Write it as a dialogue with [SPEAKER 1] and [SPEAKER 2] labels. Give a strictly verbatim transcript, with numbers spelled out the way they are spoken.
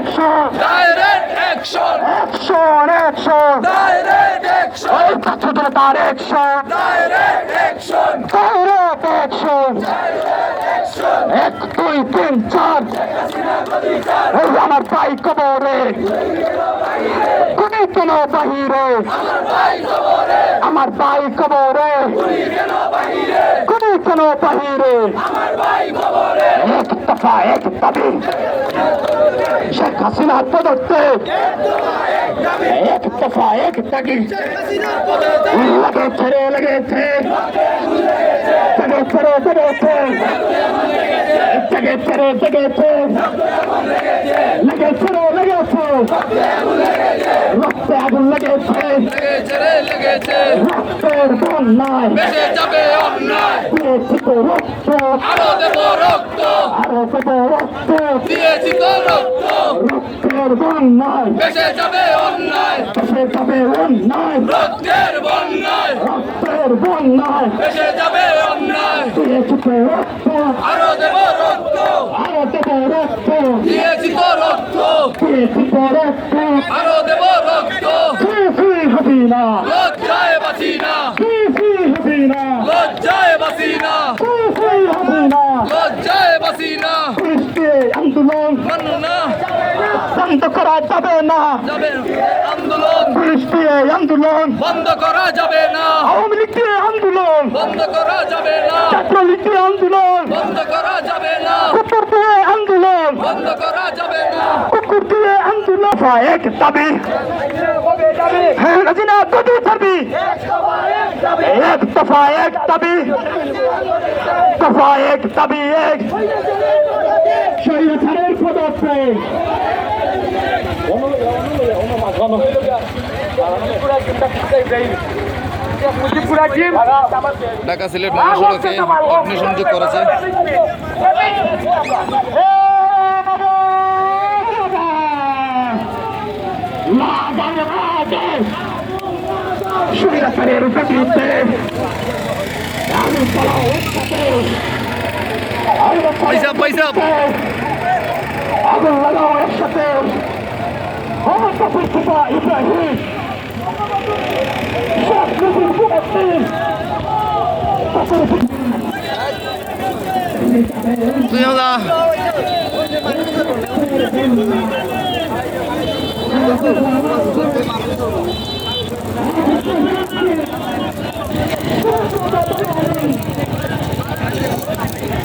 [SPEAKER 1] action
[SPEAKER 2] direct action
[SPEAKER 1] action action
[SPEAKER 2] direct action
[SPEAKER 1] ওই ছাত্রদের তার action
[SPEAKER 2] direct action
[SPEAKER 1] direct action এক দুই তিন চার এই আমার ভাই কবরে গুলি কেন বাহিরে আমার ভাই কবরে গুলি কেন বাহিরে এক দফা এক দাবি শেখ হাসিনার পদত্যাগ এক দফা এক দাবি লেগেছে রে লেগেছে লেগেছে রে লেগেছে লেগেছে রে লেগেছে লেগেছে রে লেগেছে রক্তে আগুন লেগেছে
[SPEAKER 2] লেগেছে রে লেগেছে
[SPEAKER 1] রক্তের বন্যায়
[SPEAKER 2] বেঁচে যাবে অন্যায়
[SPEAKER 1] দিয়েছি তো রক্ত
[SPEAKER 2] আরো দেব রক্ত
[SPEAKER 1] আরো দেব রক্ত
[SPEAKER 2] দিয়েছি তো রক্ত
[SPEAKER 1] রক্তের বন্যায়
[SPEAKER 2] বেঁচে যাবে অন্যায়
[SPEAKER 1] দেশে যাবে অন্যায়
[SPEAKER 2] রক্তের বন্যায়
[SPEAKER 1] রক্তের বন্যায়
[SPEAKER 2] বেঁচে যাবে অন্যায়
[SPEAKER 1] দিয়েছি তো রক্ত
[SPEAKER 2] আরো দেব রক্ত
[SPEAKER 1] আরো দেব রক্ত
[SPEAKER 2] দিয়েছি তো রক্ত
[SPEAKER 1] দিয়েছি তো রক্ত
[SPEAKER 2] আরো দেব রক্ত
[SPEAKER 1] ফি ফি হাসিনা
[SPEAKER 2] লজ্জায় বাঁচি না
[SPEAKER 1] ফি ফি হাসিনা
[SPEAKER 2] লজ্জায় বাঁচি না
[SPEAKER 1] ফি ফি হাসিনা
[SPEAKER 2] লজ্জায় বাঁচি না
[SPEAKER 1] পুলিশকে আন্দোলন
[SPEAKER 2] মানো না
[SPEAKER 1] বন্ধ করা যাবে না
[SPEAKER 2] যাবে আন্দোলন
[SPEAKER 1] পুলিশ দিয়ে আন্দোলন
[SPEAKER 2] বন্ধ করা যাবে না
[SPEAKER 1] আওয়ামী লীগ দিয়ে আন্দোলন
[SPEAKER 2] বন্ধ করা যাবে না
[SPEAKER 1] ছাত্রলীগ দিয়ে আন্দোলন
[SPEAKER 2] বন্ধ করা যাবে না
[SPEAKER 1] কুকুর দিয়ে আন্দোলন
[SPEAKER 2] বন্ধ করা যাবে না
[SPEAKER 1] কুকুর দিয়ে আন্দোলন এক দাবি হ্যাঁ হাসিনা কত দাবি এক দফা এক দাবি দফা এক দাবি এক স্বৈরাচারের পদত্যাগ
[SPEAKER 2] ঢাকা সিলেট মহাসড়কে অগ্নিসংযোগ করেছে
[SPEAKER 1] স্বৈরাচারের বিরুদ্ধে আমি চালাও একসাথে
[SPEAKER 2] পয়সা পয়সা
[SPEAKER 1] আগুন লাগাও একসাথে ক্ষমতা পরিচিতা ইব্রাহিম শেখ মুজিব কুমার
[SPEAKER 2] তুই যা
[SPEAKER 1] সিং